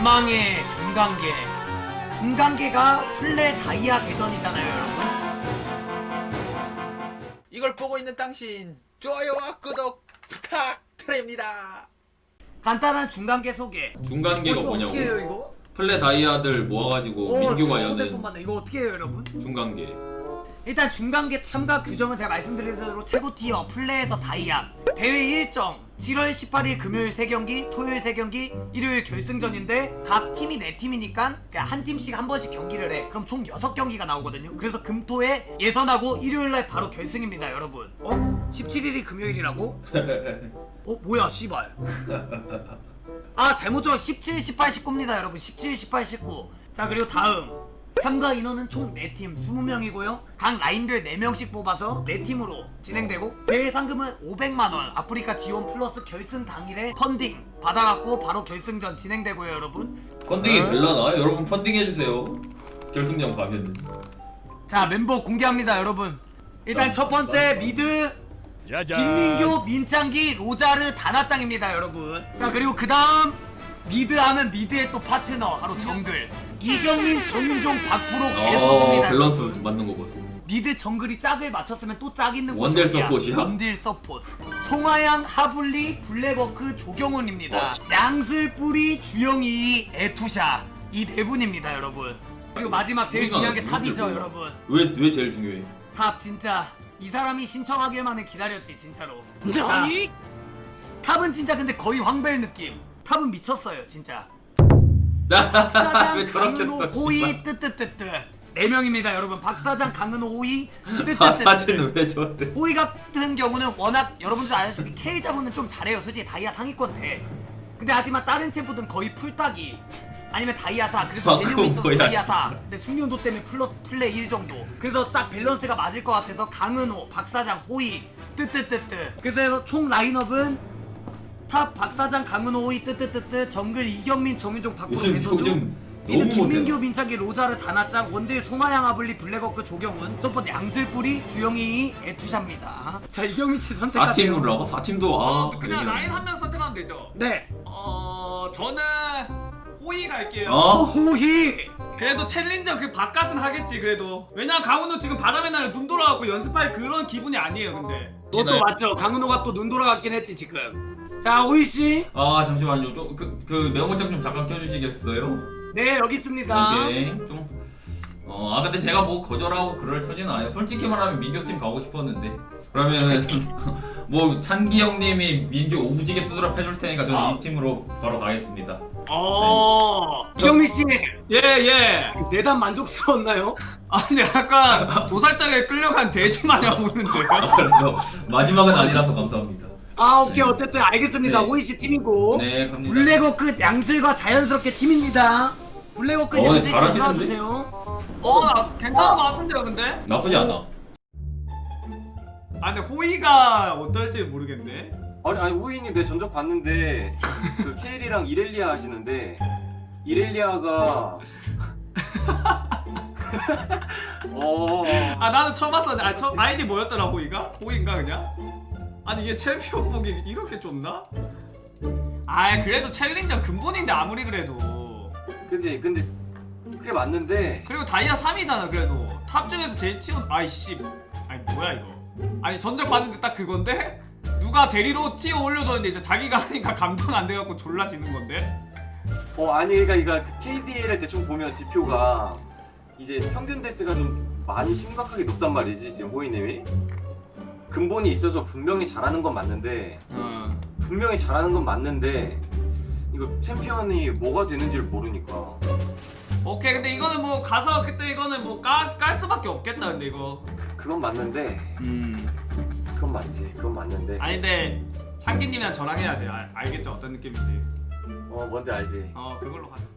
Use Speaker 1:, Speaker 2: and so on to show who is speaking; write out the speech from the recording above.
Speaker 1: 대망의 중간계. 중간계가 플레 다이아 대전이잖아요, 여러분.
Speaker 2: 이걸 보고 있는 당신 좋아요와 구독 부탁드립니다.
Speaker 1: 간단한 중간계 소개.
Speaker 3: 중간계가 뭐냐고?
Speaker 1: 어떻게 해요 이거?
Speaker 3: 플레 다이아들 모아가지고 민규가 여는
Speaker 1: 이거 어떻게 해요, 여러분?
Speaker 3: 중간계.
Speaker 1: 일단 중간계 참가 규정은 제가 말씀드린 대로 최고 티어 플레이에서 다이아. 대회 일정 7월 18일 금요일 3경기, 토요일 3경기, 일요일 결승전인데 각 팀이 4팀이니까 그냥 한 팀씩 한 번씩 경기를 해. 그럼 총 6경기가 나오거든요. 그래서 금토에 예선하고 일요일날 바로 결승입니다, 여러분. 17일이 금요일이라고? 뭐야 씨발. 아 잘못 적어. 17, 18, 19입니다 여러분. 17, 18, 19. 자 그리고 다음 참가 인원은 총 4팀 20명이고요 각 라인별 4명씩 뽑아서 4팀으로 진행되고 대회 상금은 500만원 아프리카 지원 플러스 결승 당일에 펀딩 받아갖고 바로 결승전 진행되고요 여러분.
Speaker 3: 펀딩이 될라나? 여러분 펀딩 해주세요. 결승전 가면은.
Speaker 1: 자 멤버 공개합니다 여러분. 일단 첫 번째 미드 김민규, 민창기, 로자르, 다나짱입니다 여러분. 자 그리고 그 다음 미드 하면 미드의 또 파트너 바로 정글 이경민, 정윤종, 박프로 계속입니다.
Speaker 3: 밸런스
Speaker 1: 여러분.
Speaker 3: 맞는 거 보세요.
Speaker 1: 미드 정글이 짝을 맞췄으면 또 짝 있는
Speaker 3: 원딜
Speaker 1: 곳이야.
Speaker 3: 서폿이야?
Speaker 1: 원딜 서폿. 송하양, 하블리, 블랙워크, 조경훈입니다. 양슬뿌리, 주영이, 에투샤 이 네 분입니다 여러분. 그리고 마지막 제일 중요한 게 탑이죠 여러분.
Speaker 3: 왜 제일 중요해?
Speaker 1: 탑 진짜 이 사람이 신청하기만을 기다렸지 진짜로. 자, 탑은 진짜 근데 거의 황벨 느낌. 탑은 미쳤어요 진짜.
Speaker 3: 왜 저렇게
Speaker 1: 강은호,
Speaker 3: 써?
Speaker 1: 호이 뜨뜨뜨뜨 4명입니다 여러분. 박사장, 강은호, 호이
Speaker 3: 사진은
Speaker 1: 뜨뜨뜨뜨.
Speaker 3: 왜 저래?
Speaker 1: 호이 같은 경우는 워낙 여러분들 아시다시피 K 잡으면 좀 잘해요. 솔직히 다이아 상위권 돼. 근데 하지만 다른 챔프들은 거의 풀따기 아니면 다이아사. 그래서 개념이 있어서
Speaker 3: 뭐야.
Speaker 1: 다이아사. 근데 숙련도 때문에 플러스 플레이 1 정도. 그래서 딱 밸런스가 맞을 것 같아서 강은호, 박사장, 호이 뜨뜨뜨뜨. 그래서 총 라인업은 탑 박사장, 강은호, 호이 뜨뜨뜨뜨, 정글 이경민, 정윤종, 박프로, 배서주,
Speaker 3: 요즘
Speaker 1: 미드
Speaker 3: 너무
Speaker 1: 김민규,
Speaker 3: 못해.
Speaker 1: 민창기, 로자르, 다나짱, 원딜 송하양, 하블리, 블랙워크, 조경훈, 서포트 양슬뿌리, 주영이, 에투샤입니다. 자 이경민씨 선택하세요.
Speaker 3: 4팀으로 하고 4팀도
Speaker 4: 그냥 라인 한 명 선택하면 되죠.
Speaker 1: 네.
Speaker 4: 저는 호이 갈게요.
Speaker 1: 호희.
Speaker 4: 그래도 챌린저 그 바깥은 하겠지 그래도. 왜냐면 강훈우 지금 바람의 날에 눈 돌아갖고 연습할 그런 기분이 아니에요 근데.
Speaker 1: 그것도 맞죠. 강은호가 또 눈 돌아갔긴 했지 지금. 자 호희씨.
Speaker 3: 잠시만요. 그 명호장 좀 잠깐 켜주시겠어요?
Speaker 1: 네 여기 있습니다.
Speaker 3: 오케이. 좀 근데 제가 뭐 거절하고 그럴 처지는 아니에요. 솔직히 말하면 민규팀 가고 싶었는데. 그러면 뭐 찬기 형님이 민규 오지게 두드러 패줄 테니까 저는 이 팀으로 바로 가겠습니다.
Speaker 1: 이경민씨.
Speaker 4: 예.
Speaker 1: 내담 만족스러웠나요?
Speaker 4: 근데 약간 도살장에 끌려간 돼지 마냥 우는데요.
Speaker 3: 그래서 마지막은 아니라서 감사합니다.
Speaker 1: 오케이 어쨌든 알겠습니다.
Speaker 3: 네.
Speaker 1: 호희씨 팀이고.
Speaker 3: 네, 갑니다.
Speaker 1: 블랙워크 양슬과 자연스럽게 팀입니다. 블랙워크 양슬
Speaker 3: 잘하시는데?
Speaker 1: 나와주세요.
Speaker 4: 나 괜찮은 것 같은데요 근데.
Speaker 3: 나쁘지 않아.
Speaker 4: 근데 호이가 어떨지 모르겠네.
Speaker 5: 아니 호이님 내 전적 봤는데 그 케일이랑 이렐리아 하시는데 이렐리아가
Speaker 4: 나는 처음 봤어. 아이디 뭐였더라 호이가? 호이인가 그냥? 아니 이게 챔피언복이 이렇게 좁나? 그래도 챌린저 근본인데 아무리 그래도.
Speaker 5: 그치 근데 그게 맞는데
Speaker 4: 그리고 다이아 3이잖아 그래도. 탑 중에서 제일 티어 아이씨. 뭐야 이거. 아니 전적 봤는데 딱 그건데? 누가 대리로 티어 올려줬는데 이제 자기가 하니까 감당 안 돼갖고 졸라 지는 건데?
Speaker 5: 아니 그러니까 그 KDA를 대충 보면 지표가 이제 평균 데스가 좀 많이 심각하게 높단 말이지 지금 호이님이. 근본이 있어서 분명히 잘하는 건 맞는데 이거 챔피언이 뭐가 되는지를 모르니까.
Speaker 4: 오케이 근데 이거는 뭐 가서 그때 이거는 뭐 깔 수밖에 없겠다 근데 이거.
Speaker 5: 그건 맞는데 그건 맞지 그건 맞는데
Speaker 4: 아니 근데 창기님이랑 저랑 해야 돼. 알겠죠 어떤 느낌인지.
Speaker 5: 뭔지 알지.
Speaker 4: 그걸로 가자.